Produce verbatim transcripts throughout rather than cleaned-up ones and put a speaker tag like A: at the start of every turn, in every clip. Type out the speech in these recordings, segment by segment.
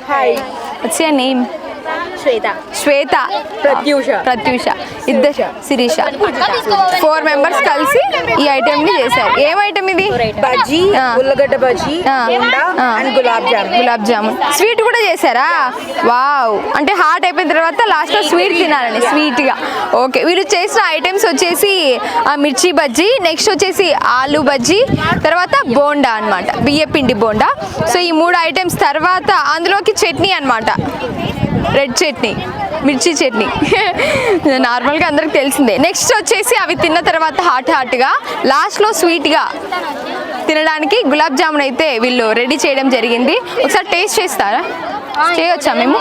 A: Hi.
B: What's your name?
A: Shweta.
B: Shweta.
A: Pratyusha.
B: Pratyusha. ఇద్దరు Sirisha. Four members కలిసి ఈ ఐటెం ని చేశారు. ఏం ఐటెం ఇది?
A: బజ్జీ, ఉల్లగడ్డ బజ్జీ, బోండా అండ్ గులాబ్ జామున్.
B: గులాబ్ జామున్. స్వీట్ కూడా చేశారా? వావ్. అంటే హాట్ అయిపోయిన తర్వాత లాస్ట్ లో స్వీట్ తినాలని స్వీట్ గా. ఓకే, వీరు చేసిన ఐటమ్స్ వచ్చేసి మిర్చి బజ్జీ, నెక్స్ట్ వచ్చేసి ఆలు బజ్జీ, తర్వాత బోండా అన్నమాట, బియ్య పిండి బోండా. సో ఈ మూడు ఐటమ్స్ తర్వాత అందులోకి చట్నీ అన్నమాట, రెడ్ చట్నీ, మిర్చి చట్నీ. నార్మల్గా అందరికి తెలిసిందే. నెక్స్ట్ వచ్చేసి అవి తిన్న తర్వాత హాట్ హాట్గా లాస్ట్లో స్వీట్గా తినడానికి గులాబ్ జామున్ అయితే వీళ్ళు రెడీ చేయడం జరిగింది. ఒకసారి టేస్ట్ చేస్తారా? చేయొచ్చా మేము?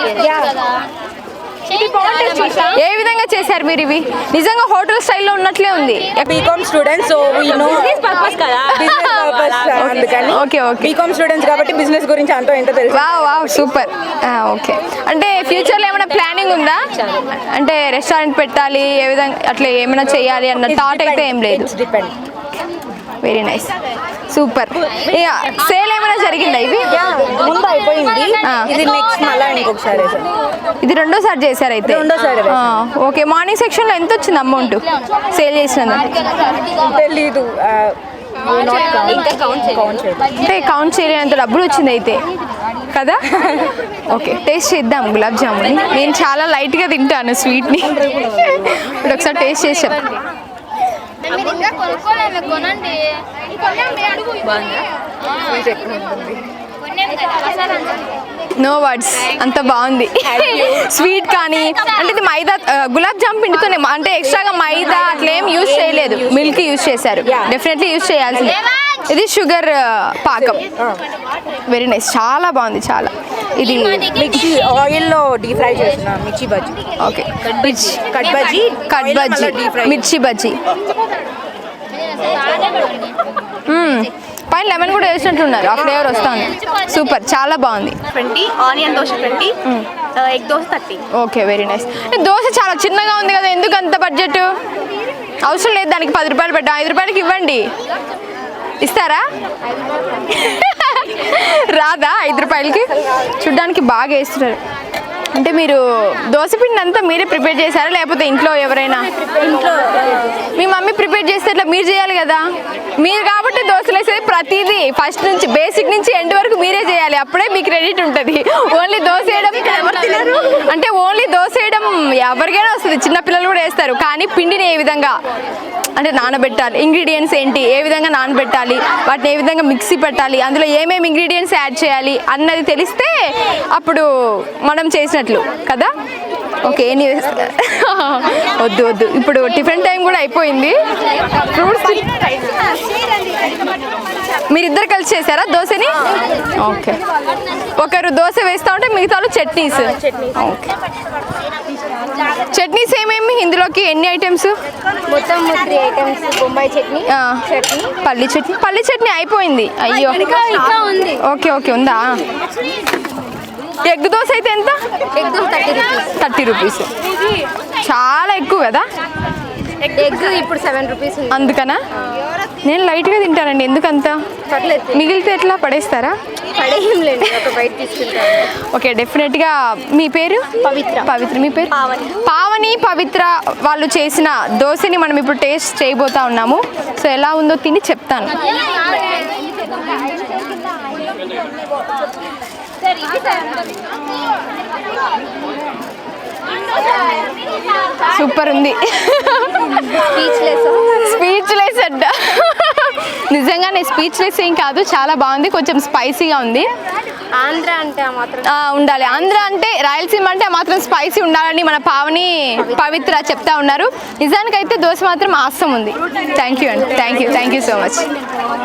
B: ఏ విధంగా చేశారు మీరు ఇవి? నిజంగా హోటల్ స్టైల్లో ఉన్నట్లే ఉంది.
A: BCom students, so we know business purpose కదా, బిజినెస్ పర్పస్ అందుకని.
B: Okay okay.
A: బీకామ్ స్టూడెంట్స్ కాబట్టి బిజినెస్ గురించి అంతా ఎంతో తెలుసు.
B: Wow wow, super. ఓకే, అంటే ఫ్యూచర్లో ఏమైనా ప్లానింగ్ ఉందా? అంటే రెస్టారెంట్ పెట్టాలి, ఏ విధంగా అట్లా ఏమైనా చేయాలి అన్న థాట్ అయితే ఏం లేదు. Very nice, super. సేల్ ఏమైనా జరిగిందా? ఇవి
A: ముందు అయిపోయింది, ఇది నెక్స్ట్ మళ్ళీ ఇంకొకసారి.
B: ఇది రెండోసారి చేశారు అయితే?
A: రెండోసారి.
B: ఓకే, మార్నింగ్ సెక్షన్లో ఎంత వచ్చింది అమౌంట్ సేల్ చేసినందుకు?
A: తెలీదు,
B: అంటే కౌంట్ చేయలేనంత డబ్బులు వచ్చింది అయితే కదా. ఓకే, టేస్ట్ చేద్దాం గులాబ్ జామున్. నేను చాలా లైట్గా తింటాను స్వీట్ని. ఇప్పుడు ఒకసారి టేస్ట్ చేసాం. నో వర్డ్స్, అంత బాగుంది. స్వీట్ కానీ అంటే ఇది మైదా గులాబ్ జామ్ పిండితోనే, అంటే ఎక్స్ట్రాగా మైదా అట్లా ఏం యూజ్ చేయలేదు, మిల్క్ యూజ్ చేశారు. డెఫినెట్లీ యూజ్ చేయాల్సిందే. ఇది షుగర్ పాకం. వెరీ నైస్, చాలా బాగుంది చాలా. ఇది
A: మిర్చి ఆయిల్లో డీప్ ఫ్రై చేసిన mirchi bajji.
B: Okay, mirchi
A: cut bajji,
B: cut bajji, mirchi bajji. పైన లెమన్ కూడా వేసినట్టున్నారు, ఆ ఫ్లేవర్ వస్తుంది. సూపర్, చాలా బాగుంది.
C: Twenty onion dosa twenty, egg dosa thirty.
B: Okay, very nice. Dosa చాలా చిన్నగా ఉంది కదా, ఎందుకు అంత బడ్జెట్? అవసరం లేదు దానికి, పది రూపాయలు పెట్టాం, ఐదు రూపాయలకి ఇవ్వండి. ఇస్తారా? రాదా ఐదు రూపాయలకి? చూడ్డానికి బాగా వేస్తున్నారు. అంటే మీరు దోశ పిండి అంతా మీరే ప్రిపేర్ చేశారా, లేకపోతే ఇంట్లో ఎవరైనా?
A: ఇంట్లో
B: మీ మమ్మీ ప్రిపేర్ చేస్తే ఇట్లా మీరు చేయాలి కదా. మీరు కాబట్టి దోశలు వేసేది ప్రతిదీ ఫస్ట్ నుంచి బేసిక్ నుంచి ఎండ్ వరకు మీరే చేయాలి, అప్పుడే మీకు క్రెడిట్ ఉంటుంది. ఓన్లీ దోశ వేయడం అంటే ఓన్లీ దోశ వేయడం ఎవరికైనా వస్తుంది, చిన్నపిల్లలు కూడా వేస్తారు. కానీ పిండిని ఏ విధంగా అంటే నానబెట్టాలి, ఇంగ్రీడియంట్స్ ఏంటి, ఏ విధంగా నానబెట్టాలి, వాటిని ఏ విధంగా మిక్సీ పెట్టాలి, అందులో ఏమేమి ఇంగ్రీడియంట్స్ యాడ్ చేయాలి అన్నది తెలిస్తే అప్పుడు మనం చేసినట్లు కదా. ఓకే, ఎనీ వద్దు వద్దు, ఇప్పుడు టిఫిన్ టైం కూడా అయిపోయింది. ఫ్రూట్స్ మీరిద్దరు కలిసి చేశారా దోశని? ఓకే, ఒకరు దోశ వేస్తూ ఉంటే మిగతా చట్నీస్. ఓకే, చట్నీస్ ఏమేమి ఇందులోకి? ఎన్ని ఐటమ్స్?
C: మొత్తం త్రీ ఐటమ్స్. బొంబాయి చట్నీ, చట్నీ,
B: పల్లి చట్నీ. పల్లి చట్నీ అయిపోయింది. అయ్యో,
C: ఉంది.
B: ఓకే ఓకే, ఉందా? ఎగ్ దోశ అయితే ఎంత?
C: Egg dosa thirty rupees.
B: Thirty rupees చాలా ఎక్కువ కదా.
C: ఎగ్ ఇప్పుడు సెవెన్ రూపీస్.
B: అందుకనా? నేను లైట్గా తింటానండి, ఎందుకంత?
C: పర్లేదు,
B: మిగిలితే ఎట్లా పడేస్తారా?
C: పడేయం లేదు, ఒక బయట తీసుకుంటాను.
B: ఓకే, డెఫినెట్గా. మీ పేరు?
C: పవిత్ర.
B: పవిత్ర. మీ పేరు?
C: పావని.
B: పావని, పవిత్ర వాళ్ళు చేసిన దోశని మనం ఇప్పుడు టేస్ట్ చేయబోతా ఉన్నాము. సో ఎలా ఉందో తిని చెప్తాను. సూపర్ ఉంది. స్పీచ్లెస్ అడ్డ, నిజంగానే స్పీచ్లెస్ ఏం కాదు, చాలా బాగుంది. కొంచెం స్పైసీగా ఉంది.
C: ఆంధ్ర అంటే మాత్రం
B: ఉండాలి, ఆంధ్ర అంటే రాయలసీమ అంటే మాత్రం స్పైసీ ఉండాలని మన పావని పవిత్ర చెప్తా ఉన్నారు. నిజానికైతే దోశ మాత్రం ఆసం ఉంది. థ్యాంక్ యూ అండి, thank you thank you so much.